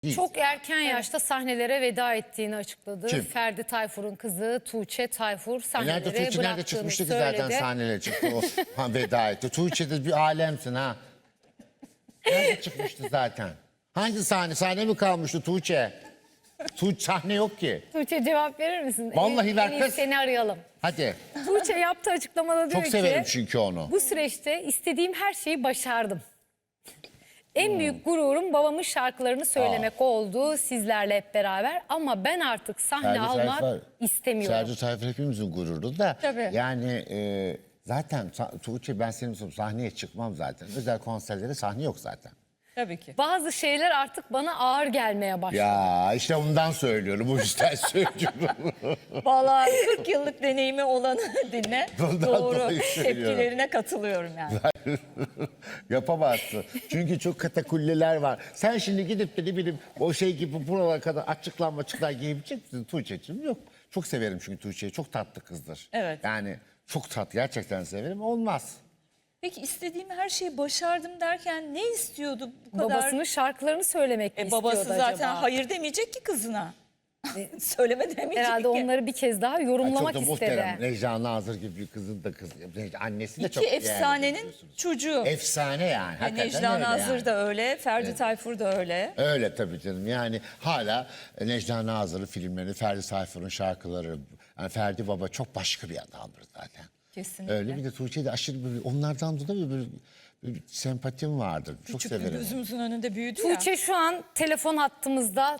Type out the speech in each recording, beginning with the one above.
Değil. Çok erken yaşta sahnelere veda ettiğini açıkladı. Kim? Ferdi Tayfur'un kızı Tuğçe Tayfur Nerede sahnelere Tuğçe nerede bıraktığını çıkmıştı ki söyledi. zaten sahnelere çıktı o veda etti. Tuğçe de bir alemsin ha. Nerede çıkmıştı zaten? Hangi sahne? Sahne mi kalmıştı Tuğçe? Tuğçe sahne yok ki. Tuğçe cevap verir misin? Vallahi ver En iyi kız. seni arayalım. Hadi. Tuğçe yaptığı açıklamada diyor Çok ki severim çünkü onu. bu süreçte istediğim her şeyi başardım. En büyük gururum babamın şarkılarını söylemek oldu sizlerle hep beraber ama ben artık sahne almak istemiyorum. Ferdi Tayfur hepimizin gururu da. Tabii. Yani zaten Tuğçe ben senin sahneye çıkmam zaten. Özel konserlere sahne yok zaten. Tabii ki. Bazı şeyler artık bana ağır gelmeye başladı. Ya işte ondan söylüyorum. O yüzden söylüyorum. Vallahi 40 yıllık deneyimi olanı dinle. Bundan Doğru. dolayı söylüyorum. Tepkilerine katılıyorum yani. Yapamazsın. Çünkü çok katakulliler var. Sen şimdi gidip de ne bileyim o şey gibi buralara kadar açıklar giyebileceksin Tuğçe'cim. Yok. Çok severim çünkü Tuğçe'yi. Çok tatlı kızdır. Evet. Yani çok tatlı. Gerçekten severim. Olmaz. Peki istediğim her şeyi başardım derken ne istiyordu bu kadar? Babasının şarkılarını söylemek mi istiyordu Babası zaten acaba? hayır demeyecek ki kızına. Söyleme demeyecek Herhalde ki. onları bir kez daha yorumlamak Çok da istedi. muhterem. Necla Nazır gibi bir kızın da kızı. Annesi de İki çok değerli efsanenin biliyorsunuz. çocuğu. Efsane yani. Hakikaten Necla öyle Nazır yani. da öyle, Ferdi Tayfur da öyle. Öyle tabii canım. Yani hala Necla Nazır'ın filmleri, Ferdi Tayfur'un şarkıları, yani Ferdi Baba çok başka bir adamdır zaten. Kesinlikle. Öyle bir de Tuğçe de aşırı böyle, onlardan dolayı böyle bir sempatim vardır. Çok Küçük severim. gözümüzün önünde büyüdü ya. Tuğçe şu an telefon hattımızda.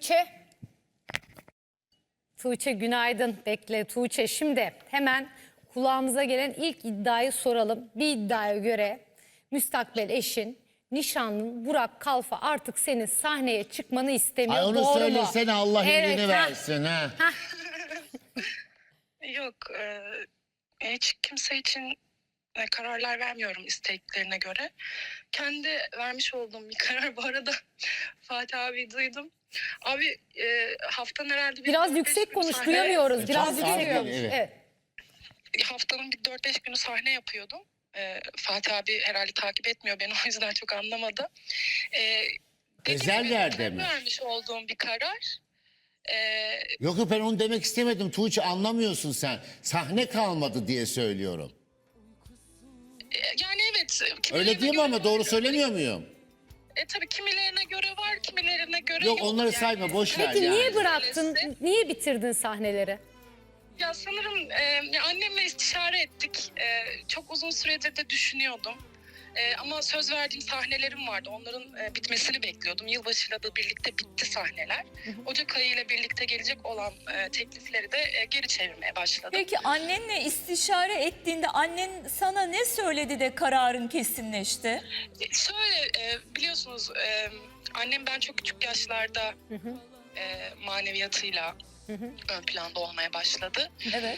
Tuğçe günaydın. Bekle Tuğçe. Şimdi hemen kulağımıza gelen ilk iddiayı soralım. Bir iddiaya göre müstakbel eşin, nişanlın Burak Kalfa artık senin sahneye çıkmanı istemiyor. Ay onu Doğru mu? söylesene Allah iyiliğini ha. versin ha. Yok, hiç kimse için kararlar vermiyorum isteklerine göre. Kendi vermiş olduğum bir karar. Bu arada Fatih abi duydum. Abi haftanın herhalde Biraz yüksek konuş, duyamıyoruz. Biraz Çok yüksek ağır, konuş. evet. Evet. Haftanın bir 4-5 günü sahne yapıyordum. Fatih abi herhalde takip etmiyor beni, o yüzden çok anlamadı. Dediğim Özel gibi, yerde kendi mi? vermiş olduğum bir karar. Yok ben onu demek istemedim Tuğçe, anlamıyorsun sen. Sahne kalmadı diye söylüyorum. Yani evet. Öyle değil mi göre ama var, doğru söylemiyor muyum? tabii kimilerine göre var, kimilerine göre Yok yok. onları Yani sayma, boş ver Peki yani. niye bıraktın? Öylesi. Niye bitirdin sahneleri? Ya sanırım ya annemle istişare ettik. Çok uzun süredir de düşünüyordum. Ama söz verdiğim sahnelerim vardı. Onların bitmesini bekliyordum. Yılbaşıyla da birlikte bitti sahneler. Ocak ayıyla birlikte gelecek olan teklifleri de geri çevirmeye başladım. Peki annenle istişare ettiğinde annen sana ne söyledi de kararın kesinleşti? Şöyle biliyorsunuz annem ben çok küçük yaşlarda maneviyatıyla ön planda olmaya başladı. Evet.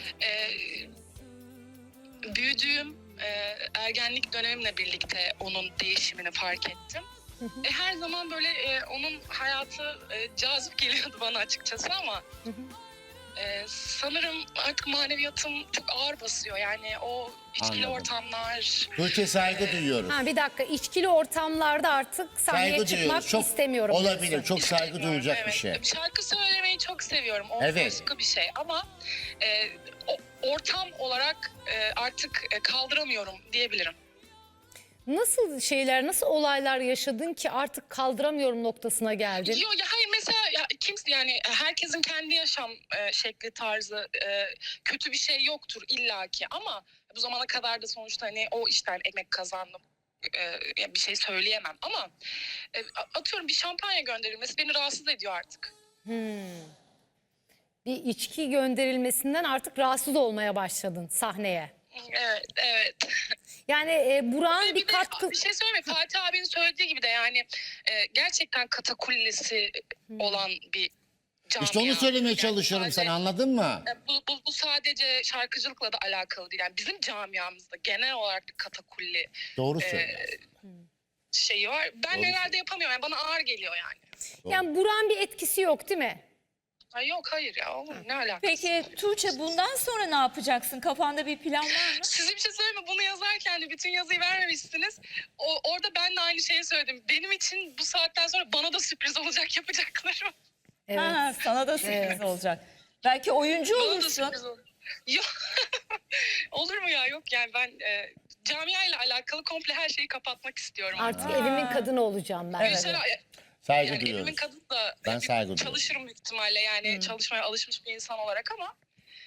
Büyüdüğüm ergenlik dönemimle birlikte onun değişimini fark ettim. Her zaman böyle onun hayatı cazip geliyordu bana açıkçası ama sanırım artık maneviyatım çok ağır basıyor. Yani o içkili Anladım. ortamlar. Tuğçe saygı duyuyoruz. Ha, bir dakika, içkili ortamlarda artık sahneye Saygı çıkmak duyuyoruz. Çok istemiyorum. olabilir. diyorsun. Çok saygı İstemiyorum, duyulacak evet. bir şey. Şarkı söylemeyi çok seviyorum. O Evet. başka bir şey ama ortam olarak artık kaldıramıyorum diyebilirim. Nasıl şeyler, nasıl olaylar yaşadın ki artık kaldıramıyorum noktasına geldin? Yok ya, hayır, mesela ya, kimse, yani herkesin kendi yaşam şekli, tarzı, kötü bir şey yoktur illaki ama bu zamana kadar da sonuçta hani o işten ekmek kazandım. Ya bir şey söyleyemem ama atıyorum bir şampanya gönderilmesi beni rahatsız ediyor artık. Bir içki gönderilmesinden artık rahatsız olmaya başladın sahneye. Evet, evet. Yani Burak'ın Bir bir de katkı... bir şey söyleyeyim mi? Fatih abinin söylediği gibi de yani gerçekten katakullesi olan bir camia. İşte onu söylemeye Yani çalışıyorum sadece- sana, anladın mı? Bu sadece şarkıcılıkla da alakalı değil. Yani bizim camiamızda genel olarak bir katakulli Doğru söylüyorsun. şeyi var. Ben Doğru herhalde yapamıyorum. Yani bana ağır geliyor yani. Yani Burak'ın bir etkisi yok değil mi? Ay yok hayır ya olur mu? Ne alakası? Peki Tuğçe bundan sonra ne yapacaksın? Kafanda bir plan var mı? Size bir şey söyleyeyim mi? Bunu yazarken de bütün yazıyı vermemişsiniz. Orada ben de aynı şeyi söyledim. Benim için bu saatten sonra bana da sürpriz olacak yapacaklarım. Evet. Ha, sana da sürpriz olacak. Belki oyuncu Bana da olursun. sürpriz olur. Yok. Olur mu ya? Yok yani ben camia ile alakalı komple her şeyi kapatmak istiyorum. Artık evimin kadını olacağım ben. Mesela, Saygı yani duyuyoruz. evimin kadını da Ben saygı duyuyorum. çalışırım büyük ihtimalle yani çalışmaya alışmış bir insan olarak ama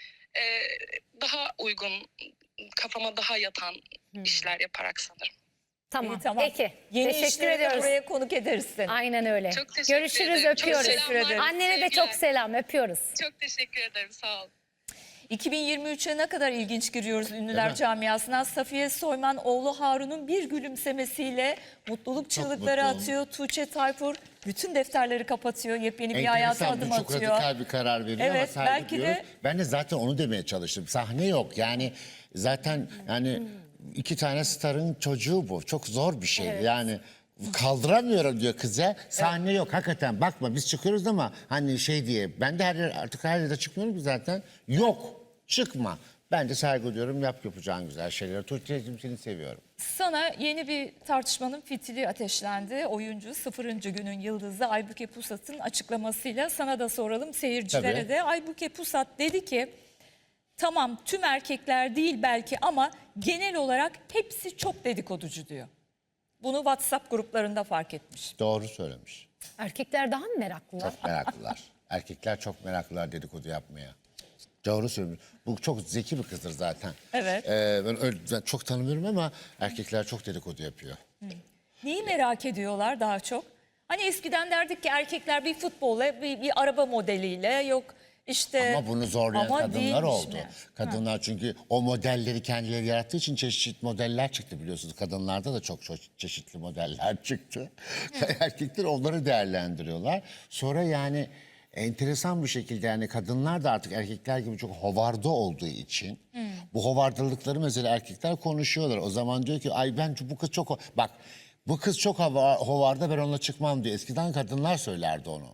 daha uygun kafama daha yatan işler yaparak sanırım. Tamam. İyi, tamam. Peki. Yeni Teşekkür işlerine ediyoruz. buraya konuk ederiz seni. Aynen öyle. Çok teşekkür Görüşürüz, ederim. Çok öpüyoruz. selamlar, Annene de sevgiler. çok selam, öpüyoruz. Çok teşekkür ederim sağ olun. 2023'e ne kadar ilginç giriyoruz ünlüler Değil mi? camiasına. Safiye Soyman oğlu Harun'un bir gülümsemesiyle mutluluk çığlıkları mutluyum. atıyor. Tuğçe Tayfur bütün defterleri kapatıyor. Yepyeni bir hayata Enteresan, adım bu çok atıyor. radikal bir karar veriyor ama Evet, saygı belki de- duyuyoruz. Ben de zaten onu demeye çalıştım. Sahne yok yani zaten yani iki tane starın çocuğu bu. Çok zor bir şey yani. Kaldıramıyorum diyor kıza. Sahne yok hakikaten. Bakma biz çıkıyoruz ama hani şey diye. Ben de artık her yerde çıkmıyorum ki zaten. Yok. Çıkma. Ben de saygı duyuyorum. Yap yapacağın güzel şeyleri. Tuğçe'cim seni seviyorum. Sana yeni bir tartışmanın fitili ateşlendi. Oyuncu 0. günün yıldızı Aybüke Pusat'ın açıklamasıyla sana da soralım seyircilere Tabii. de. Aybüke Pusat dedi ki tamam tüm erkekler değil belki ama genel olarak hepsi çok dedikoducu diyor. Bunu WhatsApp gruplarında fark etmiş. Doğru söylemiş. Erkekler daha mı meraklılar? Çok meraklılar. Erkekler çok meraklılar dedikodu yapmaya. Doğru söylüyorsun. Bu çok zeki bir kızdır zaten. Evet. Ben çok tanımıyorum ama erkekler çok dedikodu yapıyor. Neyi merak ediyorlar daha çok? Hani eskiden derdik ki erkekler bir futbolla, bir araba modeliyle yok işte. Ama bunu zorlayan Ama kadınlar değilmiş oldu. mi? Kadınlar çünkü o modelleri kendileri yarattığı için çeşitli modeller çıktı biliyorsunuz. Kadınlarda da çok çeşitli modeller çıktı. Erkekler onları değerlendiriyorlar. Sonra yani enteresan bir şekilde yani kadınlar da artık erkekler gibi çok hovarda olduğu için bu hovardılıkları mesela erkekler konuşuyorlar. O zaman diyor ki ay ben bu kız çok bak bu kız çok hovarda ben onunla çıkmam diyor. Eskiden kadınlar söylerdi onu.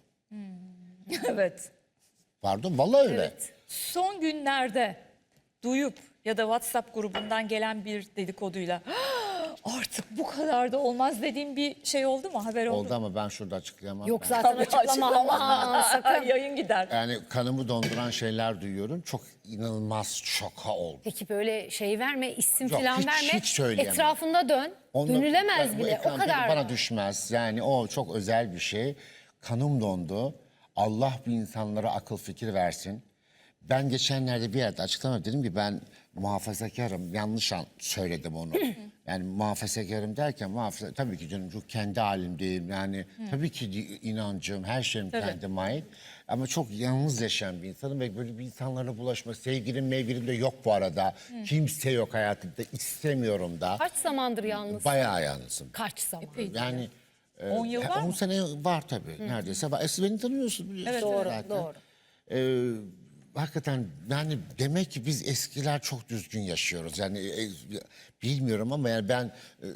Evet. Pardon vallahi öyle. Son günlerde duyup ya da WhatsApp grubundan gelen bir dedikoduyla artık bu kadar da olmaz dediğim bir şey oldu mu? Haber oldu mu? Oldu ama ben şurada açıklayamam. Yok Ben- zaten açıklama. Aman, sakın. Yayın gider. Yani kanımı donduran şeyler duyuyorum. Çok inanılmaz şoka oldum. Peki böyle şey verme, isim Yok, falan hiç- verme. hiç söyleyemem. Etrafında dön. Onu- Dönülemez ben- bu bile. O ekran kadar. bana düşmez. Yani o çok özel bir şey. Kanım dondu. Allah bu insanlara akıl fikir versin. Ben geçenlerde bir yerde açıklama dedim ki ben muhafazakarım. Yanlış söyledim onu. Yani muhafazakarım derken tabii ki canım çok kendi halimdeyim. Yani tabii ki inancım, her şeyim kendime ait. Ama çok yalnız yaşayan bir insanım ve böyle bir insanlarla bulaşma. Sevgilim de yok bu arada. Kimse yok hayatımda. İstemiyorum da. Kaç zamandır yalnız? Bayağı yalnızım. Kaç zaman? Yani 10 yıl var 10 mı? sene var tabii neredeyse. Siz beni tanıyorsunuz biliyorsunuz. Doğru, zaten. doğru. Hakikaten yani demek ki biz eskiler çok düzgün yaşıyoruz. Yani bilmiyorum ama yani ben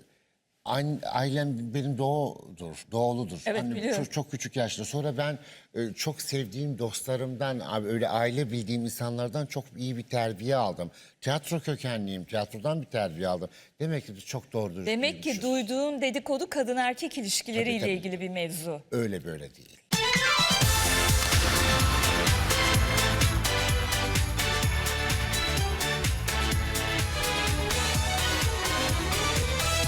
ailem benim doğuludur. Evet, Annem biliyorum. çok küçük yaşta. Sonra ben çok sevdiğim dostlarımdan, abi öyle aile bildiğim insanlardan çok iyi bir terbiye aldım. Tiyatro kökenliyim, tiyatrodan bir terbiye aldım. Demek ki biz çok doğru dürüst Demek ki büyümüşüz. duyduğun dedikodu kadın erkek ilişkileriyle Tabii, tabii. ilgili bir mevzu. Öyle böyle değil.